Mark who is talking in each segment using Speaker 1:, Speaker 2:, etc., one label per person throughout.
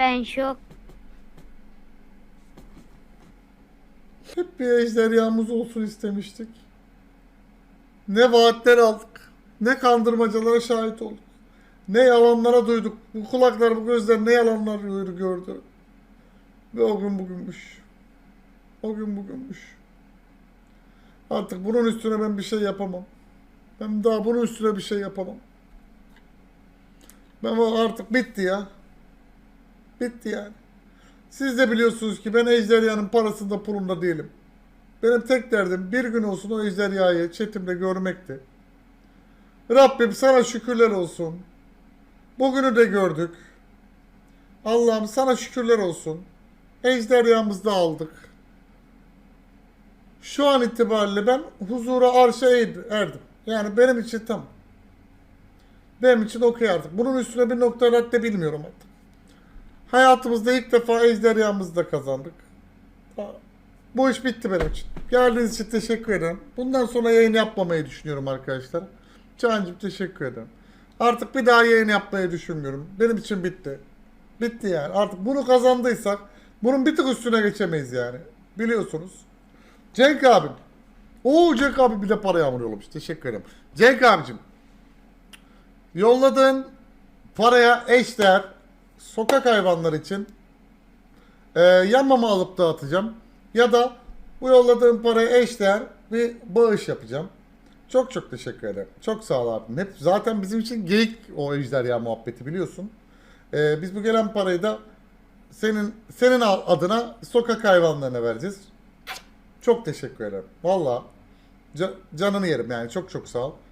Speaker 1: Ben şok.
Speaker 2: Hep bir ejderhamız olsun istemiştik. Ne vaatler aldık. Ne kandırmacalara şahit olduk. Ne yalanlara duyduk. Bu kulaklar, bu gözler ne yalanlar gördü. Ve o gün bugünmüş. O gün bugünmüş. Artık bunun üstüne ben bir şey yapamam. Ben daha bunun üstüne bir şey yapamam. Ben o artık bitti ya. Bitti yani. Siz de biliyorsunuz ki ben ejderhanın parasında pulunda değilim. Benim tek derdim bir gün olsun o ejderhayı chatimde görmekti. Rabbim sana şükürler olsun. Bugünü de gördük. Allah'ım sana şükürler olsun. Ejderhamızı da aldık. Şu an itibariyle ben huzura arşa erdim. Yani benim için tam. Benim için okey artık. Bunun üstüne bir nokta radde bilmiyorum artık. Hayatımızda ilk defa ejderhamızı da kazandık. Bu iş bitti benim için. Geldiğiniz için teşekkür ederim. Bundan sonra yayın yapmamayı düşünüyorum arkadaşlar. Cancım teşekkür ederim. Artık bir daha yayın yapmayı düşünmüyorum. Benim için bitti. Bitti yani. Artık bunu kazandıysak bunun bir tık üstüne geçemeyiz yani. Biliyorsunuz. Cenk abim. Oo Cenk abi bir de para yağmur yollamış. Teşekkür ederim. Cenk abicim. Yolladığın paraya eşdeğer sokak hayvanları için yan mama alıp dağıtacağım. Ya da bu yolladığım paraya eşdeğer bir bağış yapacağım. Çok çok teşekkür ederim. Çok sağ ol abim. Hep zaten bizim için geyik o ejderha muhabbeti biliyorsun. Biz bu gelen parayı da senin adına sokak hayvanlarına vereceğiz. Çok teşekkür ederim. Valla canını yerim yani. Çok çok sağ ol.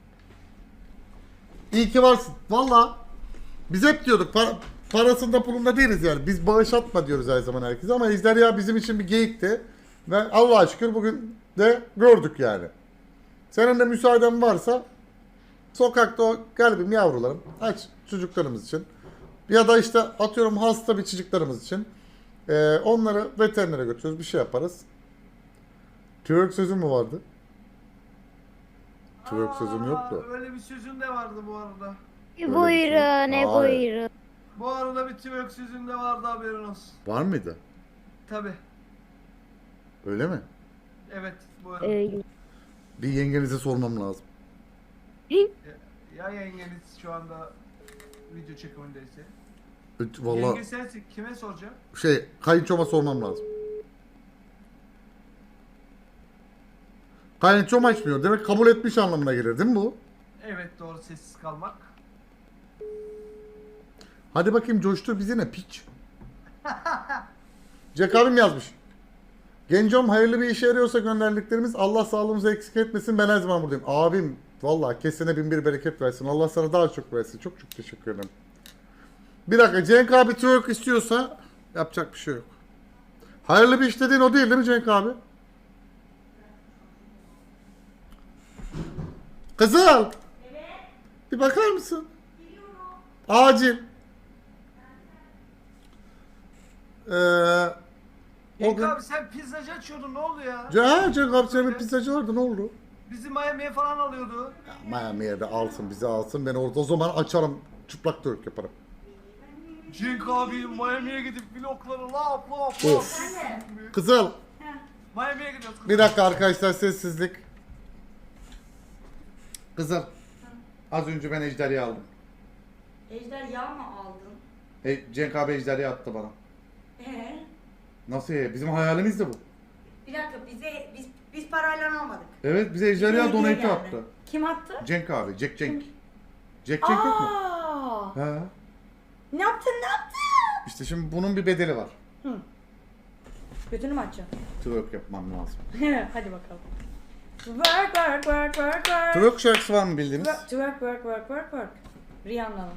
Speaker 2: İyi ki varsın. Valla biz hep diyorduk parasında pulunda değiliz yani. Biz bağış atma diyoruz her zaman herkese ama ejderha bizim için bir geyikti. Ve Allah'a şükür bugün de gördük yani. Senin de müsaaden varsa sokakta o kalbim yavrularım aç çocuklarımız için. Ya da işte atıyorum hasta bir çocuklarımız için. Onları veterinere götürüyoruz bir şey yaparız. Twerk sözüm mü vardı? Twerk sözüm yoktu.
Speaker 3: Öyle bir sözün de vardı bu arada.
Speaker 1: Buyurun, ne
Speaker 2: Hayır.
Speaker 1: buyurun.
Speaker 3: Bu arada bir twerk sözün de vardı, haberin olsun.
Speaker 2: Var mıydı?
Speaker 3: Tabi.
Speaker 2: Öyle mi?
Speaker 3: Evet, bu arada.
Speaker 1: Öyle.
Speaker 2: Bir yengenize sormam lazım.
Speaker 3: Ya yengeniz şu anda video çekimindeyse.
Speaker 2: Vallahi
Speaker 3: Yenge sensin, kime soracağım?
Speaker 2: kayınçoma sormam lazım. Kayınçom açmıyor. Demek kabul etmiş anlamına gelir değil mi bu?
Speaker 3: Evet, doğru, sessiz kalmak.
Speaker 2: Hadi bakayım coştur bizi ne piç. Jack abim yazmış. Gencom hayırlı bir işe yarıyorsa gönderdiklerimiz Allah sağlığımızı eksik etmesin ben her zaman buradayım. Abim vallahi kesene bin bir bereket versin. Allah sana daha çok versin. Çok çok teşekkür ederim. Bir dakika Cenk abi twerk istiyorsa yapacak bir şey yok. Hayırlı bir iş dediğin o değil mi Cenk abi? Kızıl. Evet. Bir bakar mısın? Biliyorum. Acil. O
Speaker 3: Yenge
Speaker 2: gün...
Speaker 3: abi sen pizzacı açıyordun, ne oldu ya?
Speaker 2: Cenk abi senin bir pizzacı vardı ne oldu?
Speaker 3: Bizi Miami'ye falan alıyordu.
Speaker 2: Miami'ye de alsın bizi alsın ben orada o zaman açarım çıplak twerk yaparım.
Speaker 3: Cenk abi Miami'ye gidip vlogları lap lap
Speaker 2: Of. Kızıl.
Speaker 3: Miami'ye gidiyoruz.
Speaker 2: Bir dakika arkadaşlar sessizlik. Kızıl. Az önce ben ejderha aldım.
Speaker 4: Ejderha mı aldın?
Speaker 2: Cenk abi ejderha attı bana.
Speaker 4: Ee?
Speaker 2: Nasıl ya? Bizim hayalimiz de bu.
Speaker 4: Bir dakika biz parayla almadık.
Speaker 2: Evet bize ejderha
Speaker 4: Bize hediye
Speaker 2: donate
Speaker 4: geldi.
Speaker 2: attı.
Speaker 4: Kim attı?
Speaker 2: Cenk abi. Cenk. Cenk yok mu?
Speaker 4: Aa!
Speaker 2: He.
Speaker 4: Ne yaptın?
Speaker 2: İşte şimdi bunun bir bedeli var.
Speaker 4: Götünü mü açacaksın?
Speaker 2: Twerk yapmam lazım.
Speaker 4: Hadi bakalım. Work.
Speaker 2: Twerk şarkısı var mı bildiğiniz?
Speaker 4: Work. Rihanna'nın.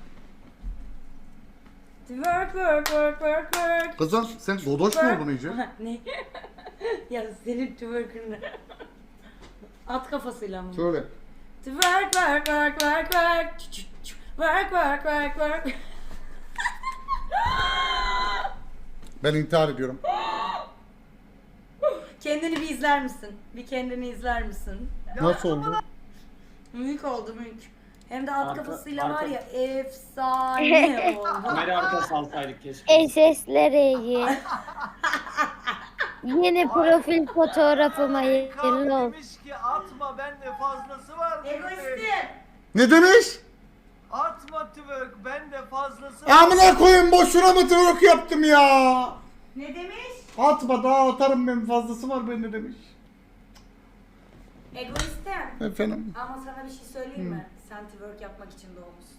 Speaker 4: Work.
Speaker 2: Kızım sen godoş mu oldun iyice?
Speaker 4: Ne? Ya senin twerk'ını. At kafasıyla mı?
Speaker 2: Söyle.
Speaker 4: Work. Work.
Speaker 2: Ben intihar ediyorum.
Speaker 4: Kendini bir izler misin? Bir kendini izler misin?
Speaker 2: Nasıl oldu?
Speaker 4: Mülk oldu mülk. Hem de at
Speaker 5: Arka-
Speaker 4: kafasıyla
Speaker 5: arka-
Speaker 4: var ya efsane oldu.
Speaker 5: Kamera arkası alsaydık keşke.
Speaker 1: SS'lere iyi. Yeni profil fotoğrafıma
Speaker 3: Cenk abi
Speaker 1: hayırlı olsun.
Speaker 3: demiş ki atma bende fazlası var. demiş.
Speaker 4: Egoistim.
Speaker 2: Ne demiş?
Speaker 3: Atma twerk bende fazlası var.
Speaker 2: Amına koyun boşuna mı twerk yaptım ya?
Speaker 4: Ne demiş?
Speaker 2: Atma daha atarım ben fazlası var bende demiş.
Speaker 4: Egoistim.
Speaker 2: Efendim.
Speaker 4: Ama sana bir şey söyleyeyim mi? Sen twerk yapmak için doğmuşsun.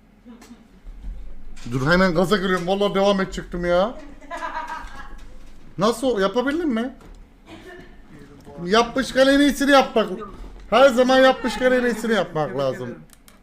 Speaker 2: Dur hemen gaza giriyorum. Vallahi devam edecektim ya. Nasıl yapabildin mi? Yapmışken en iyisini yapmak. Her zaman yapmışken en iyisini yapmak lazım.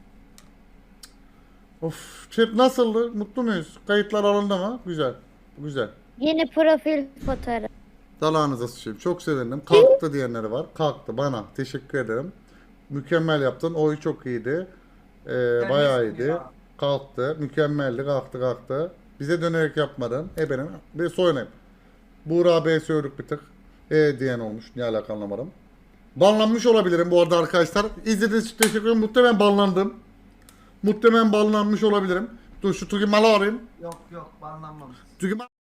Speaker 2: Of, chat nasıldı? Mutlu muyuz? Kayıtlar alındı mı? Güzel. Güzel.
Speaker 1: Yeni profil fotoğrafı.
Speaker 2: Dalağınıza sıçayım. Çok sevindim. Kalktı diyenleri var. Kalktı bana. Teşekkür ederim. Mükemmel yaptın. Oyu çok iyiydi. Bayağı
Speaker 3: nesin
Speaker 2: iyiydi.
Speaker 3: ya?
Speaker 2: Kalktı. Mükemmeldi. Kalktı. Bize dönerek yapmadın. Benim. Bir soyunayım. Buğra B sövdük bir tık. Diyen olmuş. Ne alaka anlamadım. Banlanmış olabilirim bu arada arkadaşlar. İzlediğiniz için teşekkür ederim. Muhtemelen banlandım. Muhtemelen banlanmış olabilirim. Dur şu Tugi Mal'ı arayayım.
Speaker 3: Yok banlanmamış.
Speaker 2: Tugi Mal...